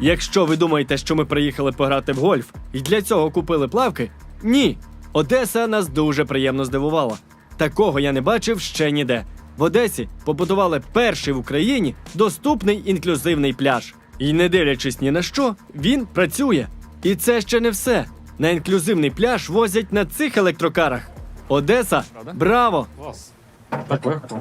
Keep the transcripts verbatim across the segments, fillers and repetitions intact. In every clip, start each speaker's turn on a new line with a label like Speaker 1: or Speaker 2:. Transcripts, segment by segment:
Speaker 1: Якщо ви думаєте, що ми приїхали пограти в гольф і для цього купили плавки, ні. Одеса нас дуже приємно здивувала. Такого я не бачив ще ніде. В Одесі побудували перший в Україні доступний інклюзивний пляж. І не дивлячись ні на що, він працює. І це ще не все. На інклюзивний пляж возять на цих електрокарах. Одеса, браво!
Speaker 2: Клас. Так легко.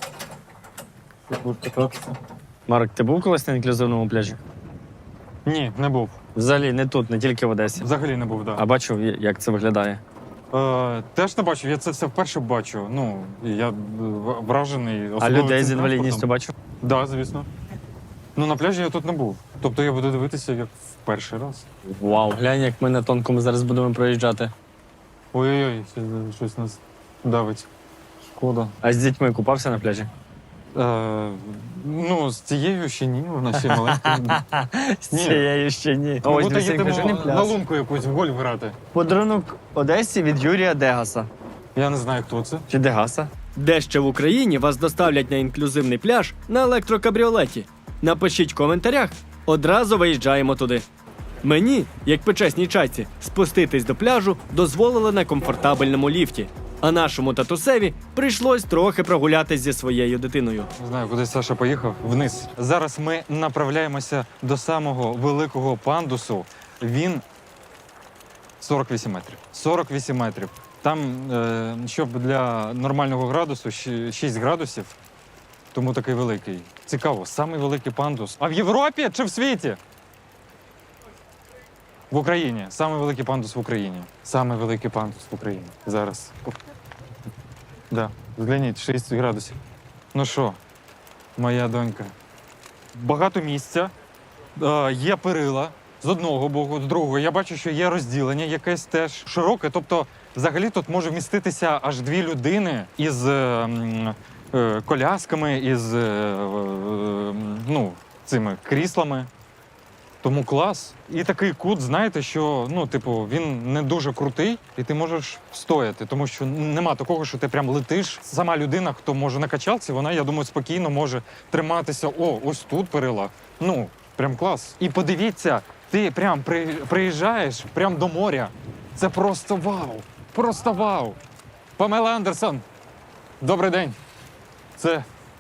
Speaker 3: Марк, ти був колись на інклюзивному пляжі?
Speaker 2: Ні, не був.
Speaker 3: Взагалі не тут, не тільки в Одесі.
Speaker 2: Взагалі не був, так.
Speaker 3: А бачив, як це виглядає?
Speaker 2: Е, теж не бачив, я це все вперше бачу. Ну, і я е, в- вражений.
Speaker 3: А
Speaker 2: особливо
Speaker 3: людей з
Speaker 2: цим
Speaker 3: інвалідністю
Speaker 2: транспортом.
Speaker 3: бачив?
Speaker 2: Так, да, звісно. Ну, на пляжі я тут не був. Тобто я буду дивитися як в перший раз.
Speaker 3: Вау, глянь, як ми на тонкому зараз будемо проїжджати.
Speaker 2: Ой-ой-ой, ще щось нас давить. Шкода.
Speaker 3: А з дітьми купався на пляжі?
Speaker 2: Е, ну, з цією ще ні, вона ще маленька.
Speaker 3: З
Speaker 2: Ні.
Speaker 3: цією ще ні.
Speaker 2: Ми
Speaker 3: Ось
Speaker 2: будемо
Speaker 3: дивись,
Speaker 2: їдемо
Speaker 3: інклюзивний
Speaker 2: на
Speaker 3: пляж.
Speaker 2: лунку якусь в гольф грати.
Speaker 3: Подарунок Одесі від Юрія Дегаса.
Speaker 2: Я не знаю, хто це.
Speaker 3: Чи Дегаса?
Speaker 1: Де ще в Україні вас доставлять на інклюзивний пляж на електрокабріолеті? Напишіть в коментарях, одразу виїжджаємо туди. Мені, як почесній чайці, спуститись до пляжу дозволили на комфортабельному ліфті. А нашому татусеві прийшлось трохи прогулятись зі своєю дитиною.
Speaker 2: Не знаю, куди Саша поїхав. Вниз. Зараз ми направляємося до самого великого пандусу. Він сорок вісім метрів. сорок вісім метрів. Там, е, щоб для нормального градусу, щ- шість градусів, тому такий великий. Цікаво, самий великий пандус. А в Європі чи в світі? В Україні. Самий великий пандус в Україні. Самий великий пандус в Україні. Зараз. Да, згляніть, шість градусів. Ну що, моя донька. Багато місця, е, є перила з одного боку, з другого. Я бачу, що є розділення якесь теж широке. Тобто, взагалі тут може вміститися аж дві людини із е, м, е, колясками, із е, е, ну, цими кріслами. Тому клас. І такий кут, знаєте, що ну, типу, він не дуже крутий, і ти можеш стояти, тому що нема такого, що ти прям летиш. Сама людина, хто може на качалці, вона, я думаю, спокійно може триматися. О, ось тут перила. Ну, прям клас. І подивіться, ти прям при, приїжджаєш прям до моря. Це просто вау! Просто вау! Памела Андерсон, добрий день. Це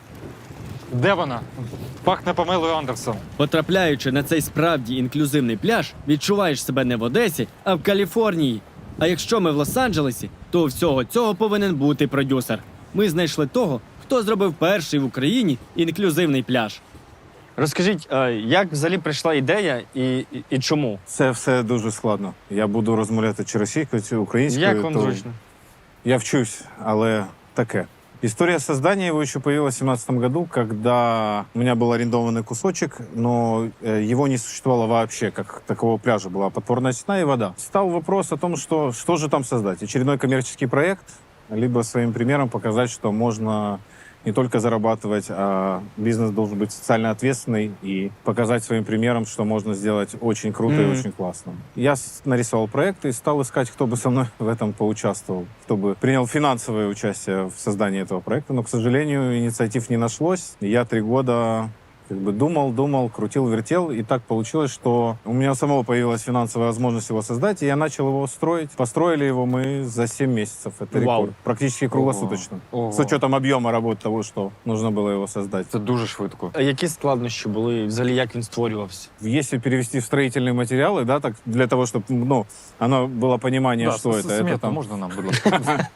Speaker 2: де вона? Пахне Памелою Андерсон.
Speaker 1: Потрапляючи на цей справді інклюзивний пляж, відчуваєш себе не в Одесі, а в Каліфорнії. А якщо ми в Лос-Анджелесі, то у всього цього повинен бути продюсер. Ми знайшли того, хто зробив перший в Україні інклюзивний пляж.
Speaker 3: Розкажіть, а як взагалі прийшла ідея і, і, і чому?
Speaker 4: Це все дуже складно. Я буду розмовляти чи російською, чи українською.
Speaker 3: Як вам
Speaker 4: то
Speaker 3: зручно?
Speaker 4: Я вчусь, але таке. История создания его еще появилась в две тысячи семнадцатом году, когда у меня был арендованный кусочек, но э, его не существовало вообще, как такового пляжа. Была подпорная стена и вода. Стал вопрос о том, что, что же там создать. Очередной коммерческий проект, либо своим примером показать, что можно не только зарабатывать, а бизнес должен быть социально ответственный и показать своим примером, что можно сделать очень круто
Speaker 3: Mm-hmm.
Speaker 4: и очень классно. Я с- нарисовал проект и стал искать, кто бы со мной в этом поучаствовал, кто бы принял финансовое участие в создании этого проекта. Но, к сожалению, инициатив не нашлось. И я три года как бы думал, думал, крутил, вертел. И так получилось, что у меня у самого появилась финансовая возможность его создать, и я начал его строить. Построили его мы за семь месяцев. Это
Speaker 3: Вау.
Speaker 4: рекорд. Практически круглосуточно.
Speaker 2: Ого.
Speaker 4: С учетом объема работы того, что нужно было его создать.
Speaker 2: Це дуже швидко.
Speaker 3: А які складнощі були? Взагалі, як він створювався?
Speaker 4: Если перевести в строительные материалы, да, так для того, чтобы ну, оно было понимание,
Speaker 2: Да,
Speaker 4: что
Speaker 2: с-
Speaker 4: это. Это,
Speaker 2: смету
Speaker 4: там,
Speaker 2: можна нам, будь ласка?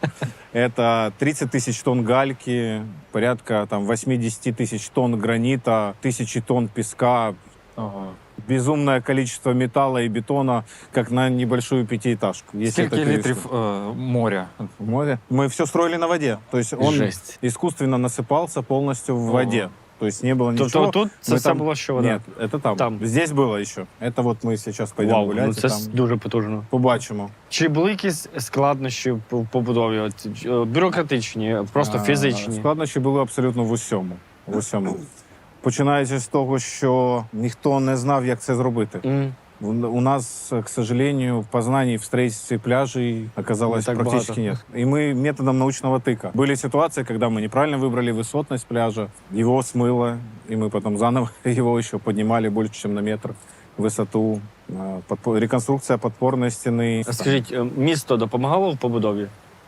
Speaker 4: это тридцать тысяч тонн гальки, порядка там восемьдесят тысяч тонн гранита, тысячи тонн песка,
Speaker 2: Ага.
Speaker 4: безумное количество металла и бетона, как на небольшую пятиэтажку. Если
Speaker 2: Скільки
Speaker 4: это перевести
Speaker 2: літрів е, моря?
Speaker 4: в море. Мы все строили на воде. То есть он
Speaker 3: Жесть.
Speaker 4: искусственно насыпался полностью в
Speaker 2: Ого.
Speaker 4: воде. То есть не было
Speaker 3: Тобто
Speaker 4: ничего.
Speaker 3: тут це
Speaker 4: Мы
Speaker 3: все
Speaker 4: там-
Speaker 3: було що вода?
Speaker 4: Нет, это там.
Speaker 3: Там.
Speaker 4: Здесь было еще. Это вот мы сейчас пойдем
Speaker 3: Вау,
Speaker 4: гулять.
Speaker 3: ну
Speaker 4: и
Speaker 3: це
Speaker 4: там
Speaker 3: с- дуже потужно.
Speaker 4: побачимо.
Speaker 3: Чи були якісь складнощі по побудові? От, е, бюрократичні, просто
Speaker 4: А,
Speaker 3: фізичні?
Speaker 4: Складнощі були абсолютно в усьому. В усьому. Починаючи з того, що ніхто не знав, як це зробити.
Speaker 3: М.
Speaker 4: У у нас, к сожалению, познаний в строительстве пляжей оказалось
Speaker 3: Не так
Speaker 4: практически
Speaker 3: багато.
Speaker 4: нет. И мы методом научного тыка. Были ситуации, когда мы неправильно выбрали высотность пляжа, его смыло, и мы потом заново его еще поднимали больше, чем на метр. высоту, э, подпо- реконструкция подпорной стены.
Speaker 3: Скажіть, е, місто допомагало в побудові?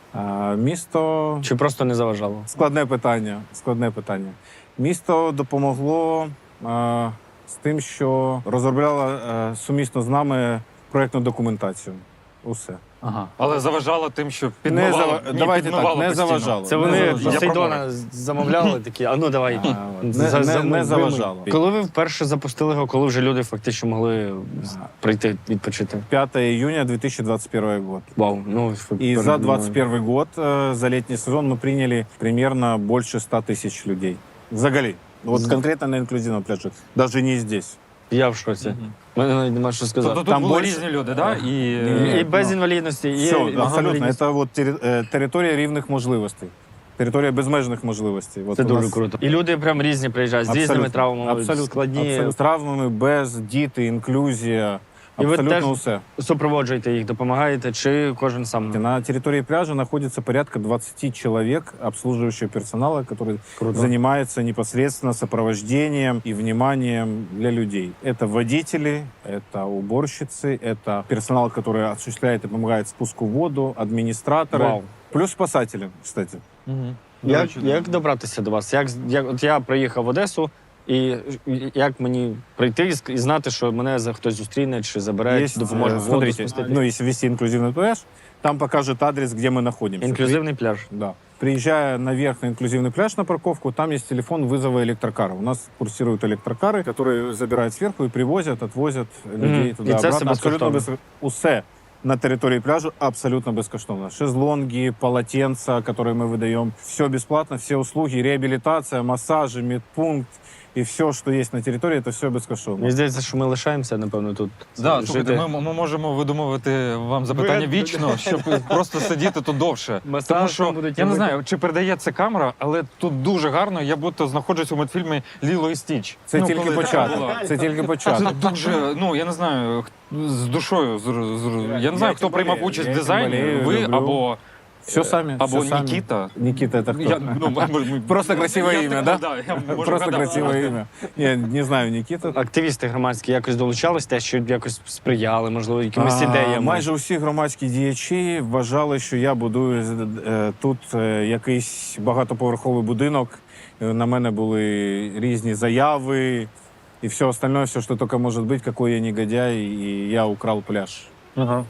Speaker 4: А, місто
Speaker 3: Чи просто не заважало?
Speaker 4: складне питання. Складне питання. Місто допомогло е, з тим, що розробляло е, сумісно з нами проєктну документацію. Усе.
Speaker 2: Ага. Але заважало тим, що
Speaker 4: Не
Speaker 2: підмивало,
Speaker 4: зава-
Speaker 2: ні,
Speaker 4: Давайте
Speaker 2: підмивало
Speaker 4: так, не
Speaker 2: постійно.
Speaker 4: заважало.
Speaker 3: Це
Speaker 4: Не
Speaker 3: вони
Speaker 4: заважало.
Speaker 3: Посейдона замовляли такі, а ну давай.
Speaker 4: А, от.
Speaker 3: За-
Speaker 4: Не,
Speaker 3: за-
Speaker 4: не, не
Speaker 3: вимий.
Speaker 4: заважало.
Speaker 3: Коли ви вперше запустили його, коли вже люди фактично могли прийти відпочити?
Speaker 4: пятое июня две тысячи двадцать первый год.
Speaker 3: Вау, ну
Speaker 4: И за двадцать первый год, э, за летний сезон, мы приняли примерно больше ста тысяч людей. Взагалі. Вот
Speaker 3: З-
Speaker 4: конкретно на инклюзивном пляже. Даже не здесь.
Speaker 3: Я в шоці.
Speaker 2: Мгм.
Speaker 3: Мене навіть нема що сказати.
Speaker 2: Тобто тут
Speaker 4: Там
Speaker 2: були
Speaker 4: більше-
Speaker 2: різні люди, да? І,
Speaker 4: Ні,
Speaker 3: І без
Speaker 4: ну,
Speaker 3: інвалідності, і
Speaker 4: Все,
Speaker 3: і
Speaker 4: абсолютно.
Speaker 3: інвалідність.
Speaker 4: Это вот тери- э, територія рівних можливостей. Територія безмежних можливостей. Вот
Speaker 3: Це
Speaker 4: у
Speaker 3: дуже
Speaker 4: нас
Speaker 3: круто. І люди прям різні приїжджають з різними
Speaker 4: абсолютно,
Speaker 3: травмами,
Speaker 4: абсолютно,
Speaker 3: складні.
Speaker 4: абсолютно. З травмами, без, діти, інклюзія.
Speaker 3: І ви
Speaker 4: Абсолютно
Speaker 3: теж-
Speaker 4: усе.
Speaker 3: Супроводжуєте їх, допомагаєте, чи кожен сам?
Speaker 4: На территории пляжа находится порядка двадцать человек обслуживающего персонала, который
Speaker 3: Круто.
Speaker 4: занимается непосредственно сопровождением и вниманием для людей. Это водители, это уборщицы, это персонал, который осуществляет и помогает спуску в воду, администраторы,
Speaker 3: Вау.
Speaker 4: плюс спасатели, кстати.
Speaker 2: Мгм.
Speaker 3: Як,
Speaker 2: До речі,
Speaker 3: як добратися до вас? Як, як от я приїхав в Одесу, і як мені прийти і ск- і знати, що мене за хтось зустріне чи забере, чи допоможе
Speaker 4: э,
Speaker 3: воду
Speaker 4: смотрите,
Speaker 3: спустити?
Speaker 4: ну, если ввести инклюзивный пляж, там покажет адрес, где мы находимся.
Speaker 3: Інклюзивний пляж.
Speaker 4: Да. Приезжая наверх на инклюзивный пляж на парковку, там есть телефон вызова электрокара. У нас курсируют электрокары, которые забирают сверху и привозят, отвозят людей
Speaker 3: Мгм.
Speaker 4: туда
Speaker 3: И це
Speaker 4: обратно.
Speaker 3: все
Speaker 4: Абсолютно
Speaker 3: безкоштовно.
Speaker 4: без... Усе на территории пляжа абсолютно бескоштовно. Шезлонги, полотенца, которые мы выдаем. Все бесплатно, все услуги, реабилитация, массажи, медпункт. И все, что есть на территории, это все безкоштовно.
Speaker 3: Мені здається, що ми лишаємося, напевно, тут
Speaker 2: Да,
Speaker 3: жити.
Speaker 2: слухайте, ми, ми можемо видумувати вам запитання
Speaker 3: Ви-
Speaker 2: вічно, щоб просто сидіти тут довше.
Speaker 3: Масаж
Speaker 2: Тому
Speaker 3: там
Speaker 2: що
Speaker 3: будуть
Speaker 2: я не
Speaker 3: робити.
Speaker 2: знаю, чи передає це камера, але тут дуже гарно. Я будто знаходжусь у мультфільмі Ліло і Стіч.
Speaker 4: Це
Speaker 2: Ну,
Speaker 4: тільки
Speaker 2: коли така
Speaker 4: початок.
Speaker 2: була.
Speaker 4: Це тільки початок.
Speaker 2: Це дуже, ну я не знаю, х- з душою. з- з- Я не знаю,
Speaker 4: Я
Speaker 2: хто
Speaker 4: тим
Speaker 2: приймав
Speaker 4: болею,
Speaker 2: участь в
Speaker 4: я тим
Speaker 2: дизайні.
Speaker 4: болею,
Speaker 2: Ви
Speaker 4: люблю.
Speaker 2: або,
Speaker 4: Все сами.
Speaker 2: або
Speaker 4: все сами.
Speaker 2: Нікіта.
Speaker 4: Никита это кто?
Speaker 2: Я, ну, м- м-
Speaker 4: Просто красивое
Speaker 2: я
Speaker 4: имя,
Speaker 2: так-
Speaker 4: да?
Speaker 2: я можу
Speaker 4: Просто
Speaker 2: вгадати.
Speaker 4: красивое имя. Я не знаю Никита.
Speaker 3: Активісти громадські якось долучались, те, що якось сприяли, можливо, якимись
Speaker 4: А,
Speaker 3: ідеями.
Speaker 4: Майже усі громадські діячі вважали, що я будую е, тут е, якийсь багатоповерховий будинок. Е, На мене були різні заяви і все остальное, все, що тільки може бути, який я негодяй, і я украл пляж.
Speaker 3: Ага.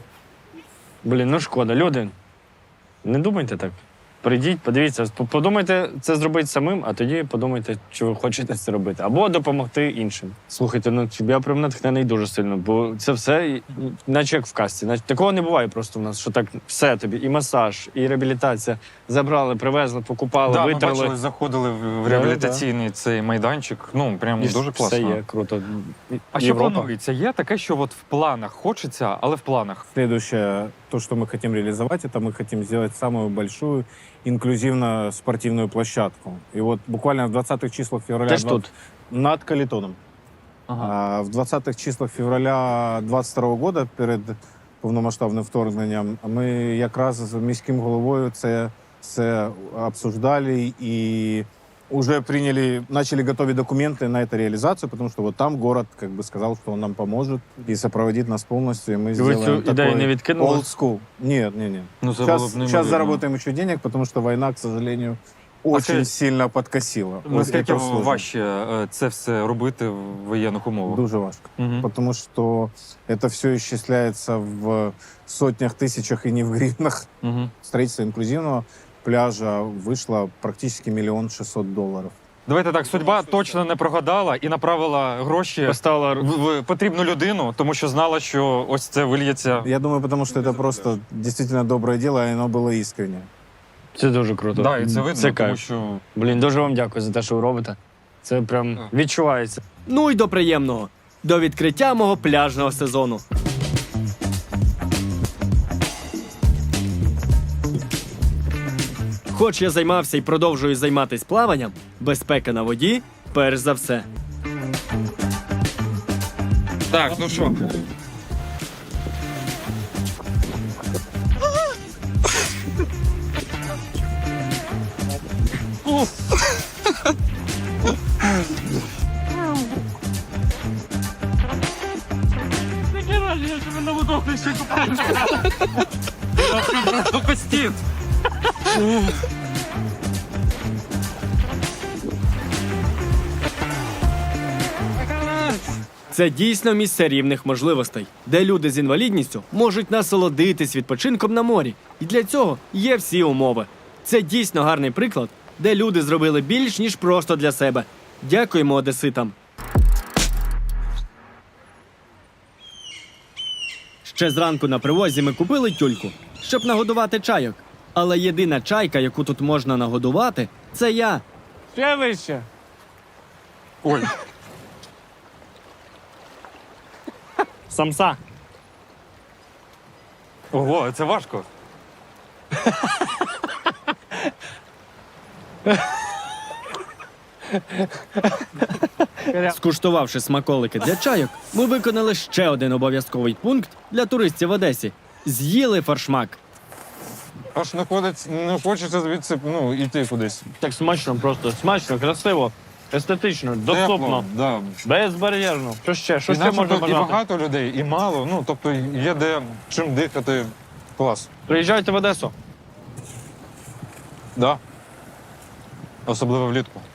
Speaker 3: Блін, ну шкода. Люди, не думайте так. Прийдіть, подивіться, по- подумайте це зробити самим, а тоді подумайте, чи ви хочете це робити. Або допомогти іншим. Слухайте, ну я прям натхнений дуже сильно, бо це все, і- наче як в казці. Наче такого не буває просто в нас, що так все тобі, і масаж, і реабілітація. Забрали, привезли, покупали,
Speaker 2: Да, ми
Speaker 3: витерли.
Speaker 2: бачили, заходили в в
Speaker 3: Да,
Speaker 2: реабілітаційний цей майданчик. Ну, прям
Speaker 3: І
Speaker 2: дуже класно.
Speaker 3: Все є, круто.
Speaker 2: А що
Speaker 3: Європа.
Speaker 2: планується? Є таке, що от в планах хочеться, але в планах.
Speaker 4: Следующее, то, что мы хотим реализовать, это мы хотим сделать самую большую инклюзивно-спортивную площадку. И вот буквально в двадцатых числах февраля...
Speaker 3: Теж
Speaker 4: два-
Speaker 3: тут.
Speaker 4: Над Калитоном.
Speaker 2: Ага.
Speaker 4: А в двадцатых числах февраля двадцять второго года, перед повномасштабним вторгненням, ми якраз з міським головою це, це обсуждали і уже приняли, начали готовить документы на эту реализацию, потому что вот там город как бы сказал, что он нам поможет и сопроводит нас полностью, и мы
Speaker 3: Ви
Speaker 4: сделаем
Speaker 3: цю ідею не
Speaker 4: такой
Speaker 3: відкинули?
Speaker 4: old school. Нет, нет, нет.
Speaker 2: Ну, це
Speaker 4: Сейчас,
Speaker 2: було б
Speaker 4: сейчас
Speaker 2: неймовірно.
Speaker 4: заработаем еще денег, потому что война, к сожалению, очень
Speaker 2: скажіть,
Speaker 4: сильно подкосила. Вот
Speaker 2: Наскільки
Speaker 4: это сложно.
Speaker 2: важче е, це все робити в воєнних умовах?
Speaker 4: Дуже важко.
Speaker 2: Мгм.
Speaker 4: Потому что это все исчисляется в сотнях, тысячах и не в гривнах.
Speaker 2: Мгм.
Speaker 4: Строительство инклюзивного пляжа вышло практически миллион шестьсот долларов.
Speaker 2: Давайте так, судьба точно не прогадала і направила гроші
Speaker 3: Поставила
Speaker 2: в, в потрібну людину, тому що знала, що ось це вильється.
Speaker 4: Я думаю, потому что это просто действительно доброе дело, и оно было искренне.
Speaker 3: Це дуже круто.
Speaker 2: Да, і це видно,
Speaker 3: Це
Speaker 2: тому
Speaker 3: кайф.
Speaker 2: що
Speaker 3: Блін, дуже вам дякую за те, що ви робите. Це прям
Speaker 2: Так.
Speaker 3: відчувається.
Speaker 1: Ну й до приємного. До відкриття мого пляжного сезону. Хоч я займався і продовжую займатися плаванням, безпека на воді перш за все.
Speaker 2: так, ну що. Пропустіть!
Speaker 1: Це дійсно місце рівних можливостей, де люди з інвалідністю можуть насолодитись відпочинком на морі. І для цього є всі умови. Це дійсно гарний приклад, де люди зробили більш, ніж просто для себе. Дякуємо одеситам. Ще зранку на привозі ми купили тюльку, щоб нагодувати чайок. Але єдина чайка, яку тут можна нагодувати, це я.
Speaker 3: Ще вище.
Speaker 2: Ой,
Speaker 3: Самса.
Speaker 2: ого, це важко.
Speaker 1: Скуштувавши смаколики для чайок, ми виконали ще один обов'язковий пункт для туристів в Одесі. З'їли форшмак.
Speaker 2: Аж не ходить, не хочеться звідси, ну, йти кудись.
Speaker 3: Так смачно, просто смачно, красиво, естетично, доступно,
Speaker 2: Тепло, да.
Speaker 3: безбар'єрно. Що ще? Що
Speaker 2: І,
Speaker 3: ще
Speaker 2: знаєш,
Speaker 3: можна
Speaker 2: тут і
Speaker 3: бажати?
Speaker 2: багато людей, і мало. Ну, тобто є де чим дихати. Клас.
Speaker 3: Приїжджайте в Одесу.
Speaker 2: Да. Особливо влітку.